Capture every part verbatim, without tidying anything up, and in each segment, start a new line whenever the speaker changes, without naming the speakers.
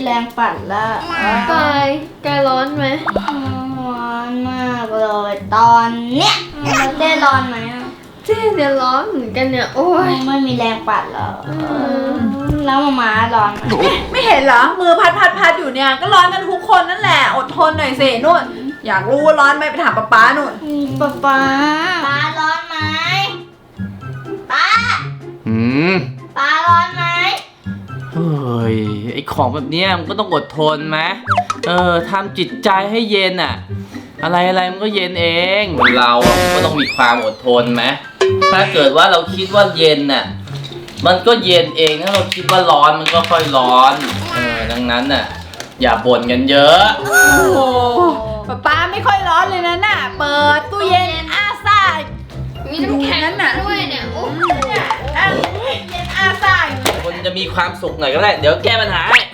รงปั่นละ
กายกายร้อนไหม
ร้อนมากเลยตอนเนี้ยเราเต้ร้อนไหม
เจ๊เนี่ยร้อนเหมือนกันเนี่ยโอ้ย
ไม่มีแรงปั่นแล้วแล้วมาม่าร้อนไหม
ไม่เห็นเหรอมือพัดพัดพัดอยู่เนี่ยก็ร้อนกันทุกคนนั่นแหละอดทนหน่อยสินู่นอยากรู้ว่าร้อนไหมไปถามป๊าป๊านู่น
ป๊าป๊าป๊าร้อนไหมป๊า
อืม
ป๊าร้อนไหม
เฮ้ยไอของแบบเนี้ยมันก็ต้องอดทนไหมเออทำจิตใจให้เย็นอ่ะอะไรอะไรมันก็เย็นเองเราอ่ะก็ต้องมีความอดทนไหมถ้าเกิดว่าเราคิดว่าเย็นน่ะมันก็เย็นเองถ้าเราคิดว่าร้อนมันก็ค่อยร้อนเออดังนั้นน่ะอย่าบ่นกันเยอะ
โอ้ป๊าป๊าไม่ค่อยร้อนเลยนะน่ะเปิดตู้เย็นอาซ่า
มีน้ำแข็งด้วยเนี่ยโอ้
เนี่ยเย็นอาซ่า
คนจะมีความสุขหน่อยก็ได้เดี๋ยวแก้ปัญหาให้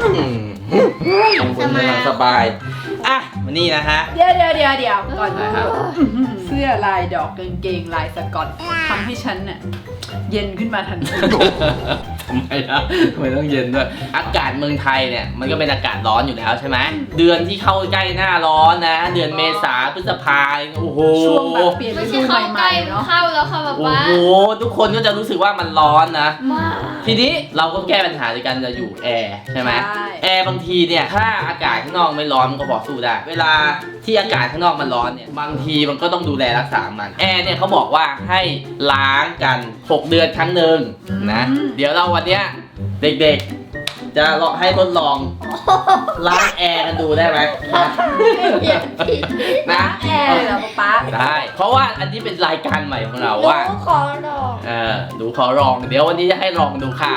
คุณกำลังสบายอ่ะมานี่นะฮะ
เดี๋ยวเดี๋ยวเดี๋ยวเดี๋ยวก่อนหน่อยครับเสื้อลายดอกกางเกงลายสกอตทำให้ฉันเนี่ยเย็นขึ้นมาทันที
ทำไมล่ะทำไมต้องเย็นด้วยอากาศเมืองไทยเนี่ยมันก็เป็นอากาศร้อนอยู่แล้วใช่ไหมเดือนที่เข้าใกล้หน้าร้อนนะเดือนเมษาพฤษภาโอ้โห
ช่วงแบบเปลี่ยนฤดูใหม่ๆเนาะ
เข้าแล้วค่ะแบบว่า
โอ้โหทุกคนก็จะรู้สึกว่ามันร้อนนะทีนี้เราก็แก้ปัญหาด้วยกันจะอยู่แอร์ใช่ไหมแอร์บางทีเนี่ยถ้าอากาศข้างนอกไม่ร้อนมันก็พอสู้ได้เวลาที่อากาศข้างนอกมันร้อนเนี่ยบางทีมันก็ต้องดูแลรักษามันแอร์เนี่ยเขาบอกว่าให้ล้างกันหกเดือนครั้งหนึ่งนะเดี๋ยวเราวันเนี้ยเด็กๆจะลองให้ทดลองล้างแอร์กันดูได้ไหม
นะแอร์เหรอป๊า
ได้เพราะว่าอันนี้เป็นรายการใหม่ของเราว่า
ดูขอลอง
เออดูขอลองเดี๋ยววันนี้จะให้ลองดูค่ะ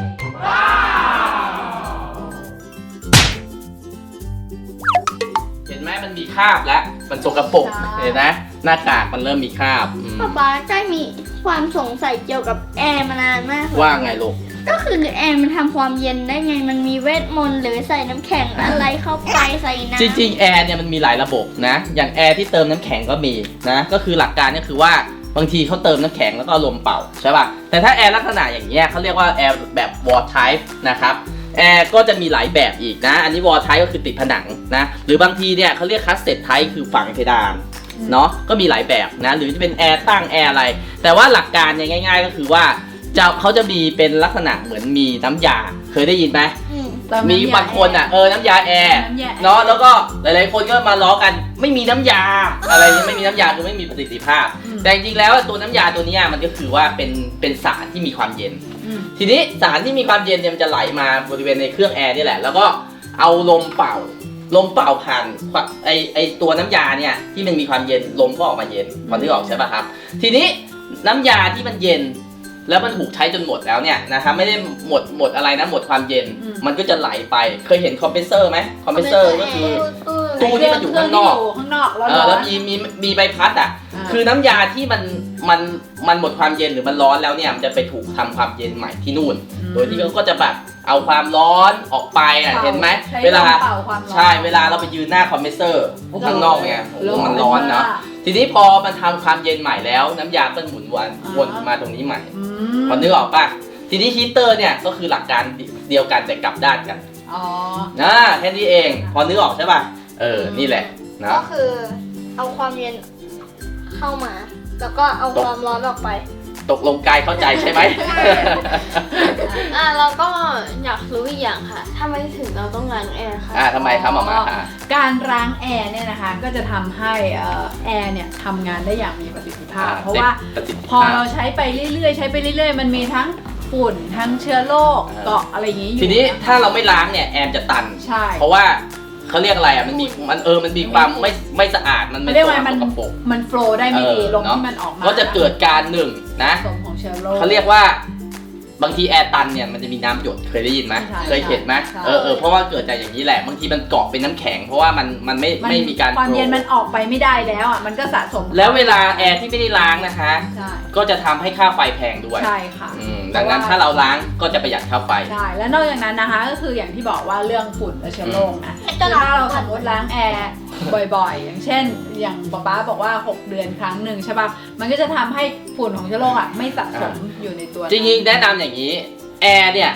เห็นไหมมันมีคราบแล้วมันสกปรกเห็นไหมหน้ากากมันเริ่มมีคราบ
ป๊าป๊าใช่มีความสงสัยเกี่ยวกับแอร์มานานมาก
ว่าไงลูก
ก็คือแอร์มันทำความเย็นได้ไงมันมีเวทมนต์หรือใส่น้ำแข็งอะไรเข้าไปใส่น้ำ
จริงๆแอร์เนี่ยมันมีหลายระบบนะอย่างแอร์ที่เติมน้ำแข็งก็มีนะก็คือหลักการก็คือว่าบางทีเขาเติมน้ำแข็งแล้วก็ลมเป่าใช่ป่ะแต่ถ้าแอร์ลักษณะอย่างเงี้ยเขาเรียกว่าแอร์แบบ wall type นะครับแอร์ก็จะมีหลายแบบอีกนะอันนี้ wall type ก็คือติดผนังนะหรือบางทีเนี่ยเขาเรียก cassette type คือฝังเพดานเนาะก็มีหลายแบบนะหรือจะเป็นแอร์ตั้งแอร์อะไรแต่ว่าหลักการเนี่ยง่ายๆก็คือว่าจะเขาจะมีเป็นลักษณะเหมือนมีน้ำยาเคยได้ยินไหมมีบางคนอ่ะเออน้ำยาแอร์เนาะแล้วก็หลายๆคนก็มาล้อกันไม่มีน้ำยาอะไรนี้ไม่มีน้ำยาคือไม่มีประสิทธิภาพแต่จริงๆแล้วตัวน้ำยาตัวนี้มันก็คือว่าเป็นเป็นสารที่มีความเย็นทีนี้สารที่มีความเย็นเนี่ยมันจะไหลมาบริเวณในเครื่องแอร์นี่แหละแล้วก็เอาลมเป่าลมเป่าผ่านไอไอตัวน้ำยาเนี่ยที่มันมีความเย็นลมก็ออกมาเย็นพอที่ออกใช่ป่ะครับทีนี้น้ำยาที่มันเย็นแล้วมันถูกใช้จนหมดแล้วเนี่ยนะครับไม่ได้หมดหมดอะไรนะหมดความเย็นมันก็จะไหลไปเคยเห็นคอมเพรสเซอร์ไหมคอมเพรสเซอร์ก็คือตู้ที่มันอยู่ข้างนอก
ข้างนอก
แล้วมีมีมีใบพัดอ่ะคือน้ำยาที่มันมันมันหมดความเย็นหรือมันร้อนแล้วเนี่ยมันจะไปถูกทำความเย็นใหม่ที่นู่นโดยที่เขาก็จะแบบเอาความร้อนออกไปอ่ะเห็นไหมเวลาใช่เวลาเราไปยืนหน้าคอมเพรสเซอร์ข้างนอกเนี่ยมันร้อนเนาะทีนี้พอมันทำความเย็นใหม่แล้วน้ำยาก็หมุนวนวนมาตรงนี้ใหม่พอนึกออกป่ะทีนี้ฮีเตอร์เนี่ยก็คือหลักการเดียวกันแต่กลับด้านกันอ๋อนะแค่นี้เองพอนึกออกใช่ป่ะเออนี่แหละนะ
ก็คือเอาความเย็นเข้ามาแล้วก็เอาความร้อนออกไป
ตกลงกายเข้าใจใช่ไหม
อ่าเราก็อยากรู้อีกอย่างค่ะทำไมถึงเราต้องล้างแอร์คะ
อ่าทำไมครับหมอมาค่ะ
การล้างแอร์เนี่ยนะคะก็จะทำให้แอร์เนี่ยทำงานได้อย่างมีประสิทธิภาพเพราะว่าพอเราใช้ไปเรื่อยๆใช้ไปเรื่อยๆมันมีทั้งฝุ่นทั้งเชื้อโรคเกาะอะไรอย่างนี้อยู่
ทีนี้ถ้าเราไม่ล้างเนี่ยแอร์จะตันใช่เพราะว่าเขาเรียกอะไรอ่ะมันมีมันเออมันมีความไม่ไม่สะอาดมันไม่
เรียกว่ามันมันโฟลว์ได้ไม่ดีลมที่มันออกมา
ก็จะเกิดการหนึ่งนะเขาเรียกว่าบางทีแอร์ตันเนี่ยมันจะมีน้ำหยดเคยได้ยินไหมเคยเห็นไหมเออเออเพราะว่าเกิดจากอย่างนี้แหละบางทีมันเกาะเป็นน้ำแข็งเพราะว่ามันมันไม่ไม่มีการ
ความเย็นมันออกไปไม่ได้แล้วอ่ะมันก็สะสม
แล้วเวลาแอร์ที่ไม่ได้ล้างนะคะก็จะทำให้ค่าไฟแพงด้วย
ใช่ค่ะ
ดังนั้นถ้าเราล้างก็จะประหยัดค่าไฟ
ใช่แล้วนอกจากนั้นนะคะก็คืออย่างที่บอกว่าเรื่องฝุ่นและเชื้อโรคนะถ้าเราสมมติล้างแอร์บ่อยๆอย่างเช่นอย่างป๊าป๊าบอกว่าหกเดือนครั้งหนึ่งใช่ป่ะมันก็จะทำให้ฝุ่นของเชื้อโรคอ่ะไม่สะสมอยู่ในตัว
จริงๆแนะนำอย่างนี้แอร์เนี่ย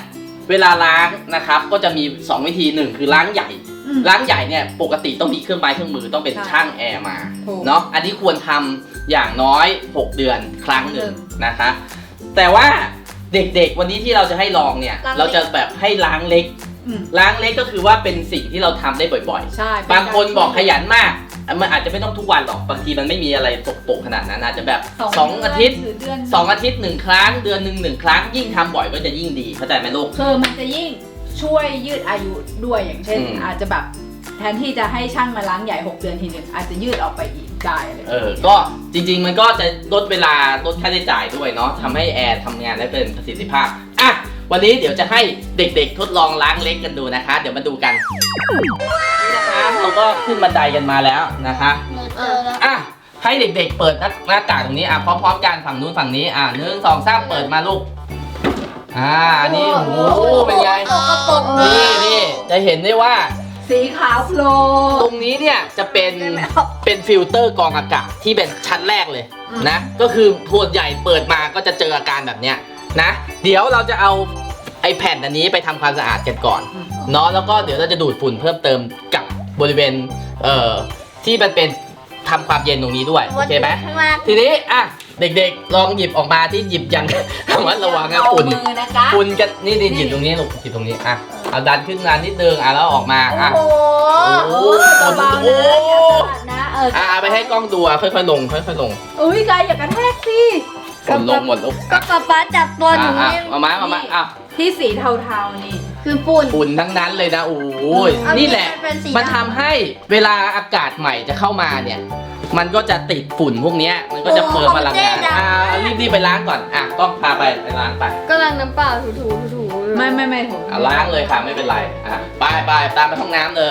เวลาล้างนะครับก็จะมีสองวิธีหนึ่งคือล้างใหญ่
อืม
ล้างใหญ่เนี่ยปกติต้องมีเครื่องไม้เครื่องมือต้องเป็น
ใช่
ช่างแอร์มา
ถูก
เนาะอันนี้ควรทำอย่างน้อยหกเดือนครั้งหนึ่ง
หนึ่ง
นะคะ แต่ว่าเด็กๆวันนี้ที่เราจะให้ลองเนี่ย
ล้างเล็ก
เราจะแบบให้ล้างเล็ก
อืม
ล้างเล็กก็คือว่าเป็นสิ่งที่เราทำได้บ่อย
ใช่
ๆ บางคนบอกขยันมากมันอาจจะไม่ต้องทุกวันหรอกบางทีมันไม่มีอะไรตกปกขนาดนั้นอาจจะแบบสองอาทิตย์
หรือเดือน
สองอาทิตย์หนึ่งครั้งเดือนหนึ่งหนึ่งครั้งยิ่งทำบ่อยก็จะยิ่งดีเข้าใจไหมลูก
คือมันจะยิ่งช่วยยืดอายุด้วยอย่างเช่น
อืม
อาจจะแบบแทนที่จะให้ช่างมาล้างใหญ่หกเดือนทีหนึ่งอาจจะยืดออกไปอีกได้อะไร
เออ ก็จริงๆ มันก็จะลดเวลาลดค่าใช้จ่ายด้วยเนาะทำให้แอร์ทำงานได้เป็นประสิทธิภาพ อ่ะ วันนี้เดี๋ยวจะให้เด็กๆ ทดลองล้างเล็กกันดูนะคะ เดี๋ยวมาดูกัน นี่นะคะเราก็ขึ้นบันไดกันมาแล้วนะคะ
หนูเจอแล้ว
อ่ะ ให้เด็กๆ เปิดหน้าหน้ากากตรงนี้ อ่ะ พร้อมๆ กันฝั่งนู้นฝั่งนี้ อ่ะหนึ่งสองสามเปิดมาลูก อ่า นี่โอ้โห เป็นไง
สกปรก
นี่นี่จะเห็นได้ว่า
สีขาวโพล
ตรงนี้เนี่ยจะเป็นเป็นฟิลเตอร์กรองอากาศที่เป็นชั้นแรกเลยนะก็คือส่วนใหญ่เปิดมาก็จะเจออาการแบบเนี้ยนะเดี๋ยวเราจะเอาไอแผ่นอันนี้ไปทำความสะอาดกันก่อนเนาะแล้วก็เดี๋ยวเราจะดูดฝุ่นเพิ่มเติมกับบริเวณเอ่อที่มันเป็นทำความเย็นตรงนี้ด้วยโอเคไหม
ข้างล่าง
ทีนี้อ่ะเด็กๆลองหยิบออกมาที่หยิบยัง ระมัดระวังนะฝุ่น
เอามือนะคะ
ฝุ่นกันนี่นี่หยิบตรงนี้ลูกหยิบตรงนี้อ่ะเอาดันขึ้นมานิดนึงอ่ะแล้วออกมาอ่ะ
โอ้โห
โอ้โห
เบาๆ
โอ้
นะ
โห
อย่าสะบัดนะเออ
อ่ะเอาไปให้กล้องดูอ่ะค่อยๆลงค่อยๆลง
อุ้ยกายอย่ากระแทกสิ
ฝนลงหมดลูก
ก็ป๊าป๊าจับตัวหนู
อ่ะ
เนี่ย
อ่ะมามามามาอ่ะ
ที่สีเทาๆนี่
คือฝุ่น
ฝุ่นทั้งนั้นเลยนะโอ้ย
เอา
นี่แหละ
เป็นสี
มัน
ดำ
ทำให้เวลาอากาศใหม่จะเข้ามาเนี่ย มันก็จะติดฝุ่นพวกเนี้ยมันก็จะเพิ่มพลังงานอ่ะรีบๆไปล้างก่อนอ่ะต้องพาไปไปล้างไป
ก็ล้างน้ำเปล่าถูๆถูๆ
ไม่ไม่ไม่ถูก
อ่ะล้างเลยค่ะไม่เป็นไรอ่ะไปไปตามไปห้องน้ำเลย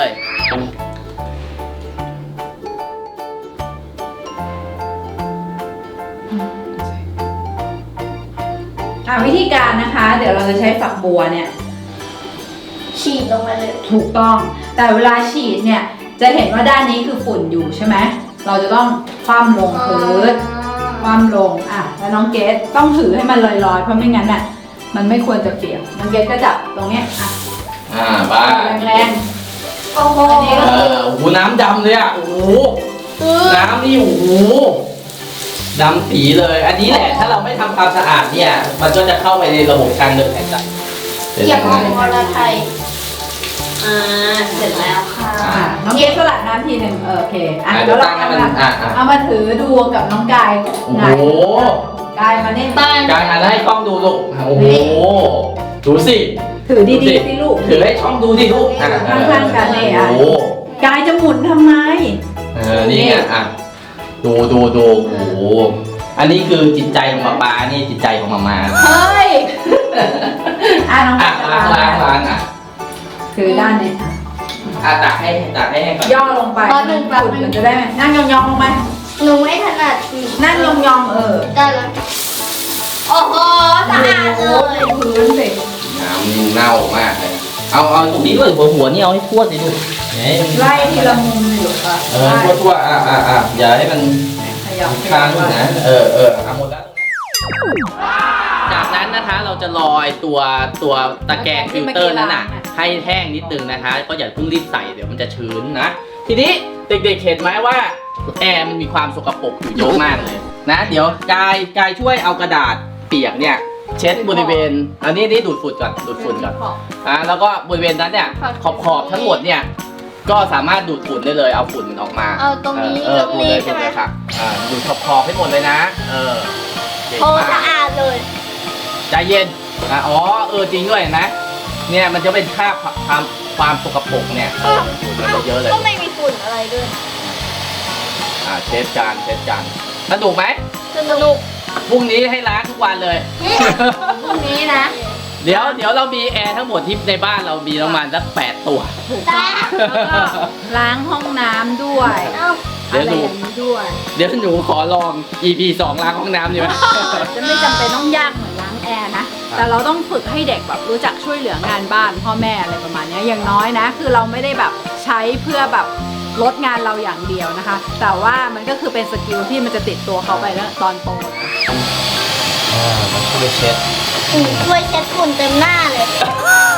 อ่ะวิธีการนะคะ เดี๋ยวเราจะใช้ฝักบัวเนี่ย
ฉีดลงมาเลย
ถูกต้อง แต่เวลาฉีดเนี่ย จะเห็นว่าด้านนี้คือฝุ่นอยู่ใช่ไหม เราจะต้องคว่ำลงพื้น คว่ำลง อ่ะ แล้วน้องเกดต้องถือให้มันลอยๆ เพราะไม่งั้นน่ะ มันไม่ควรจะเปียก น้องเกดก็จับตรงเนี้ย อ่ะ
อ่าไป
แรง
โอ้โห
อันนี้
เออโอ้โหน้ำดำเลยอ่ะโอ้โหน้ำนี่โอ้โหดำปีเลย อันนี้แหละถ้าเราไม่ทำความสะอาดเนี่ย มันก็จะเข้าไปในระบบทางเดินหายใจ
เกี่ยวกับมลไทย
อ่าเสร็จแล้วค่ะ
ๆอ่ะน้องเกดสลัดน้ำทีหนึ่งเออโอเค อ่ะ
อ่ะ
แล้
เดี๋ยว ว
เรา
ตั้งให้
เอา
มัน
มา
อ่ะอ่ะ
เอามาถือดูกับน้องกาย
โอ้
หงาย
โห
กายมาเนี่ย
บ้าน
กายหันให้กล้องดูลูกโอ้โหดูสิ
ถือดีๆสิลูก
ถือให้ช่องดูดิลูกอ่ะ
ข้างๆกันเนี่ยอ่ะ
โอ้โห
กายจะหมุนทำไม
เออนี่ไงอ่ะดูดูดูโอ้โหอันนี้คือจิตใจของป๊าป๊านี่จิตใจของมาม่า
เฮ้ย อ่ะน้อง
อ่ะ
กาย
ล้างล้างล้างอ่ะ
ถือด้านนี้
อ่ะตักให้ตักให้ให้ก่อน
ย่อลงไป
แป๊บนึงแป๊บนึง
ฝุ่นมันจะได้ไหมนั่งยองๆลงไป
หนูไม่ถนัดสี
นั่งยองๆเออ
ได้แล้วโอ้โหสะอาดเลย
พื้นสิ
น้ำนี่เน่ามากเลยเอาเอาตรงนี้ด้วยหัวหัวนี่เอาให้ทั่วสิลูกเนี่ย
ไล่ทีละมุมเลยลูกอ่ะ
เออทั่วทั่วอ่ะอ่ะอ่ะอย่าให้มัน
ขยับ
ค้างนะเออเออเอาหมดแล้วจากนั้นนะคะเราจะลอยตัวตัวตะแกรงฟิลเตอร์นั้นน่ะให้แห้งนิดนึงนะคะ ก็อย่าเพิ่งรีบใส่เดี๋ยวมันจะชื้นนะ ทีนี้เด็กๆเห็นไหมว่าแอร์มันมีความสกปรกอยู่เยอะมากเลยนะเดี๋ยวกายกายช่วยเอากระดาษเปียกเนี่ยเช็ดบริเวณอันนี้นี่ดูดฝุ่นก่อนดูดฝุ่นก่อนอ่ะแล้วก็บริเวณนั้นเนี่ยขอบขอบๆทั้งหมดเนี่ยก็สามารถดูดฝุ่นได้เลยเอาฝุ่นออกมา
เอาตรงนี้
เออ
ตรง
ดูด
นี้
เลย
ใช่
ดูด
ไหม
เลยค่ะอ่าดูดขอบขอบๆให้หมดเลยนะเออเก่ง
โอ้
มาก
สะอาดเลย
ใจเย็นอ่ะอ๋อเออจริงด้วยเห็นไหมเนี่ยมันจะเป็นคราบความความสกปรกเนี่ยเออฝุ่นมันจะเยอะเลย
ก็ไม่มีฝุ่นอะไรด้วย
อ่าเช็ดจานเช็ดจานสนุกไหม
สนุก
พรุ่งนี้ให้ล้างทุกวันเลย
พรุ่งนี้นะ
เดี๋ยวเดี๋ยวเรามีแอร์ทั้งหมดที่ในบ้านเรามีประมาณสักแปดตัว
ตา
แล้วก็ล้างห้องน้ำด้วย
เอ้า
เดี๋ยว
อะไร
หนู
อย่างนี้ด้วย
เดี๋ยวหนูขอลอง อี พี สองล้างห้องน้ำดีไหม
จะไม่จำเป็นต้องยากเหมือนล้างแอร์นะ แต่เราต้องฝึกให้เด็กแบบรู้จักช่วยเหลืองานบ้านพ่อแม่อะไรประมาณเนี้ยอย่างน้อยนะ คือเราไม่ได้แบบใช้เพื่อแบบลดงานเราอย่างเดียวนะคะ แต่ว่ามันก็คือเป็นสกิลที่มันจะติดตัวเขาไปแล้วตอนโต
อ่ามันช่วยเช็ด
ช่วยเช็ดฝุ่นเต็มหน้าเลย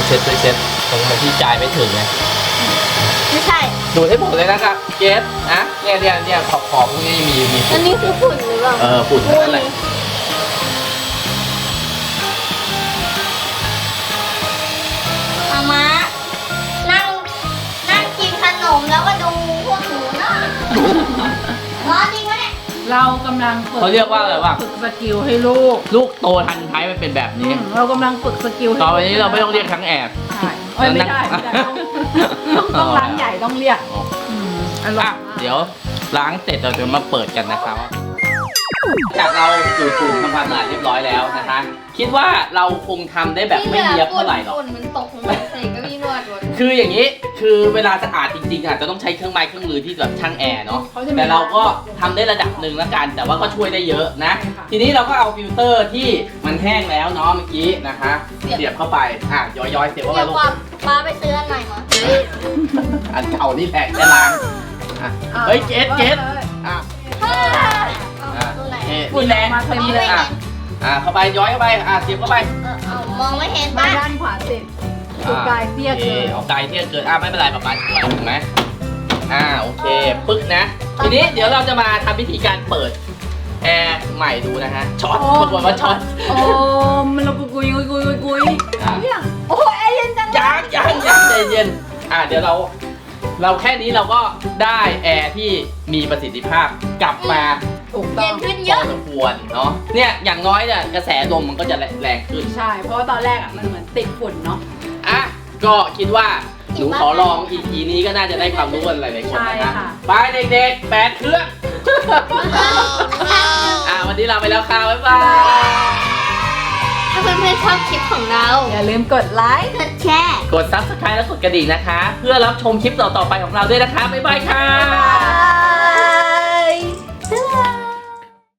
เช็ดช่วยเช็ดตรงที่จ่ายไม่ถึงไง
ไม่ใช่
ดูดให้หมดเลยนะครับเกสนะเนี่ยเนี่ยเนี่ยขอบขอบพวกนี้มีมี
อันนี้คือฝุ่นหรือเปล่า
เออฝุ่นทั้งนั้นแหละ
มามานั่งนั่งกินขนมแล้วก็ดูพวกหนูนะร้อนจริงวะเนี่ย
เรากำลังฝึก
เขาเรียกว่าอะไรวะ
ฝึกสกิลให้ลูก
ลูกโตทันท้ายมันเป็นแบบ
อื
นี้
มเรากำลังฝึกสกิลให้
ต่อไปนี้เราไม่ต้องเรียกทั้งแอบ
ใช่เอ้ยไม่ได้ไม่ได้ต้องต้องต้องร้านใหญ่ต้องเรียกอืมอร่อย
อ่ะ
มาก
เดี๋ยวล้างเสร็จเราจะมาเปิดกันนะครับจากเราดูดฝุ่นทำความสะอาดเรียบร้อยแล้วนะคะ คิดว่าเราคงทำได้แบบไม่เนียบเท่าไหร่หรอก
ฝุ่นมันตกลงมาใส่เก็มีนวดหมด
คืออย่างนี้ คือเวลาสะอาดจริงๆอาจจะต้องใช้เครื่องไม้เครื่องมือที่แบบช่างแอร์เนาะ แต่เราก็ทำได้ระดับหนึ่งแล้วกัน แต่ว่าก็ช่วยได้เยอะนะ ทีนี้เราก็เอาฟิลเตอร์ที่มันแห้งแล้วเนาะเมื่อกี้นะคะ เสียบเข้าไป อ่ะย้อยๆเสียบเข้าไป
เดี๋ยว
ลู
ก
ก
ว่าป้าไปซื้ออันใหม่มา
อันเก่านี่แหละแค่ล้างอ่ะเฮ้ยเกสเกสอ่ะ
เอา
อ่ะ
ตัวไหน
นี่นี่แหละ
มาเต็มเลย
อ่ะอ่ะเข้าไปย้อยเข้าไป อ่ะเสียบเข้าไป
เออเอามองไม่เห็น
มา
ป้า
ด้านขวาสิสุดกายเตี้ยเกิน
โอคเอาไกลเตี้ยเกิน อ่ะไม่เป็นไรประมาณช่วยถูกไหมอ่าโอเค ปึ๊กนะ ทีนี้เดี๋ยวเราจะมาทำวิธีการเปิดแอร์ใหม่ดูนะฮะ ช็อตปรากฏว่าช็อต
โอ้มันเรากุยกุยกุยกุยกุยกุย
อ่ะ
เนี่ยโอ้แอร์เย็นจังเลย
ยังยังยังใจเย็น อ่ะเดี๋ยวเรา เราแค่นี้เราก็ได้แอร์ที่มีประสิทธิภาพกลับมา
ถูกต้
เย็
อง
นขึ้น
พ
เย
อ
อะ
สมควรเนาะ เนี่ยอย่างน้อยเนี่ยกระแสลมมันก็จะแรงขึ้น
ใช่ เพราะว่าตอนแรกอ่ะมันเหมือนติดฝุ่นเนาะ
อ่ะ ก็คิดว่าหนูขอลอง อี พี นี้ก็น่าจะได้ความรู้กันหลายๆคนนะ
ใช่
ฮะ
ค่ะ
ไปเด็กๆแปดเครื่อง อ่ะวันนี้ลาไปแล้วค่ะ บ๊ายบาย
ถ้าเพื่อนๆชอบคลิปของเรา
อย่าลืมกดไลค์
กดแชร์
กด ซับสไครบ์ และกดกระดิ่งนะคะ เพื่อรับชมคลิปต่อๆไปของเราด้วยนะคะ บ๊ายบายค่ะ
บ๊ายบาย